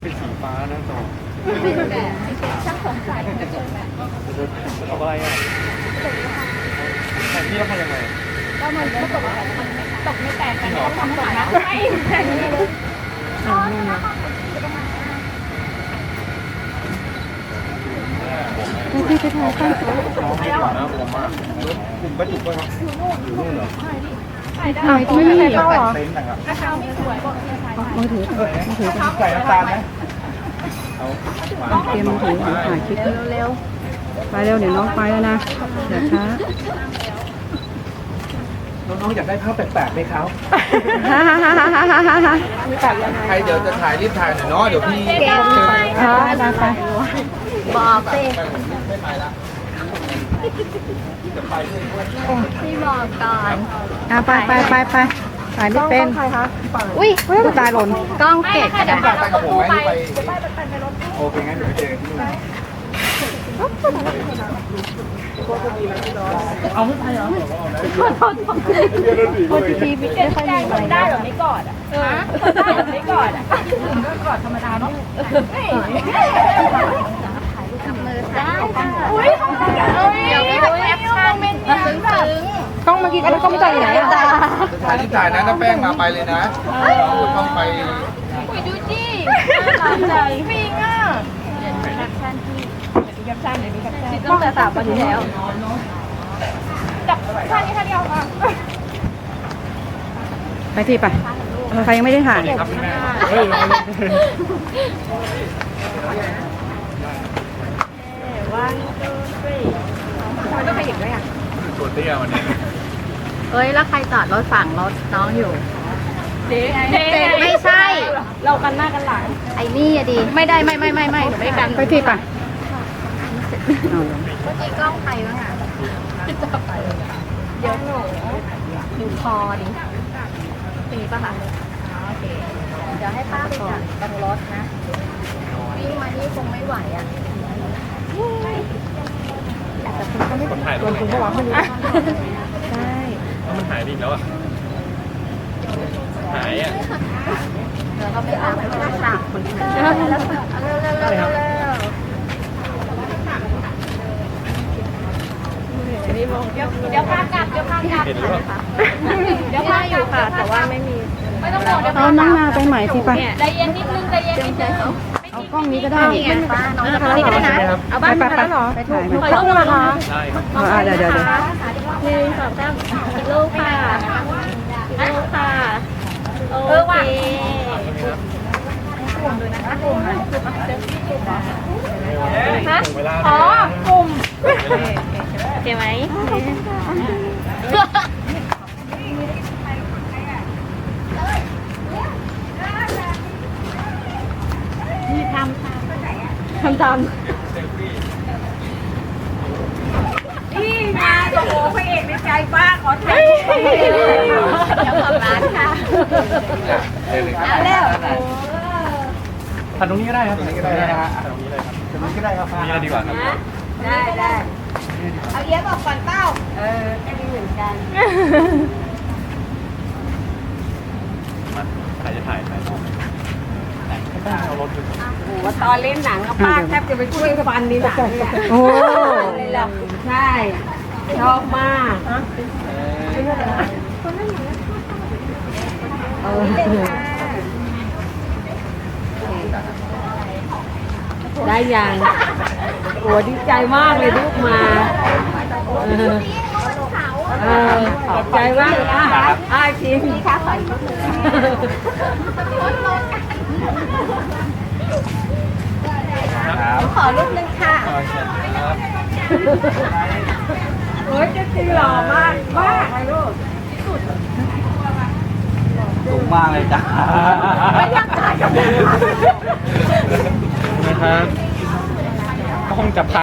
เป็นสีฟ้านะจอเป็นแบบช่างสงสัยจะเจอแบบเอาอะไรอ่ะแต่นี่เราทำยังไงก็มันตกมันตกไม่แตกกันเขาทำตกนะไม่แตกเลยพี่จะถ่ายตั้งน้องไม่หวานนะผมมากกลุ่มกระจุกป่ะครับอยู่นู่นเหรอถ่ายที่นี่เข้าเหรอเต็นท์นะครับกระเช้าไม่สวยบอกเธอถ่ายมือถือมือถือใส่น้ำตาลไหมเอาเตรียมมือถือถ่ายคลิปเร็วไปเร็วเดี๋ยวน้องไปแล้วนะเดี๋ยวช้าน้องๆอยากได้ภาพแปลกๆไหมครับฮ่าฮ่าฮ่าฮ่าฮ่าฮ่าฮ่าใครเดี๋ยวจะถ่ายรีบถ่ายหน่อยเนาะเดี๋ยวพี่ไปบอกสิไม่ไปละจะไปด้วยพี่บอกก่อนไปถ่ายไม่เป็นอุ้ยกูตายหล่นกล้องเก็บกระดาษไปกับผมไหมไปโอเคงั้นเดี๋ยวไปเจอที่นู่นเอาไม่ไปเหรอโอ้ทีไม่ค่อยมีอะไรได้หรอไม่กอดอ่ะได้หรอไม่กอดอ่ะก็กอดธรรมดาเนาะจับมือได้อุ้ยเดี๋ยวพี่แคปชั่นเป็นซึ้งกล้องเมื่อกี้ก็กล้องจ่ายไหนอ่ะจะถ่ายที่ถ่ายนะถ้าแป้งมาไปเลยนะต้องไปอุ้ยดูจีใจฟิงอ่ะแคปชั่นที่แคปชั่นเดี๋ยวมีแคปชั่นตั้งแต่3 วันที่แล้วจับท่านี้ท่าเดียวค่ะไปที่ไปใครยังไม่ได้ถ่ายครับคุณแม่วันทูทรีมันต้องขยับด้วยอ่ะตัวเตี้ยวันนี้เอ้ยแล้วใครจอดรถฝั่งรถน้องอยู่เจ๊ไม่ใช่ เรากันหน้ากันหลังไอ้นี่อะดีไม่ได้ไม่ไม่กันไปที่ไปเมื่อกี้กล้องใครบ้างอ่ะเดี๋ยวหนูดูคอดิตีป่ะคะโอเคเดี๋ยวให้ป้าไปจัดตรงรถนะวิ่งมานี่คงไม่ไหวอ่ะแต่คุณก็ไม่คนถ่ายตัวคุณก็รับไม่รู้ใช่แล้วมันหายไปอีกแล้วอ่ะหายอ่ะแล้วก็ไม่เอาไม่ได้สั่งคนเร็วเดี๋ยวพากลับเดี๋ยวพากลับเห็นหรือเปล่าเดี๋ยวพาอยู่ค่ะแต่ว่าไม่มีไม่ต้องบอกเดี๋ยวเอาน้องนาไปใหม่ที่ไปใจเย็นนิดนึงใจเย็นนิดนึงเอากล้องนี้ก็ได้ป้าน้องจะไปได้นะเอาบ้านมาแล้วเหรอไปถ่ายไหมขอรูปนะคะได้ครับเดี๋ยว 1 2 3อีกรูปค่ะอีกรูปค่ะโอเคฮะอ๋อกลุ่มโอเคไหมนี่ทำนี่มาโอ้โหพระเอกในใจป้าขอถ่ายเดี๋ยวขอบร้านค่ะเอาแล้วถ่ายตรงนี้ก็ได้ครับตรงนี้ก็ได้นะฮะตรงนี้เลยครับตรงนี้ก็ได้ครับนี่ดีกว่าครับได้เอาเลี้ยงออกก่อนเต้าจะดีเหมือนกันมาใครจะถ่ายน้องเอารถไปว่าตอนเล่นหนังป้าแทบจะไปช่วยฟันในหนังเลยโอ้เลยหรอใช่ชอบมากได้ยังโอ้ดีใจมากเลยลูกมาขอบใจมากชิมขอรูปนึงค่ะโอ้ยจะตีหล่อมากเลยลูกสูงมากเลยจ้าไม่อยากถ่ายกับนะครับก็คงจับ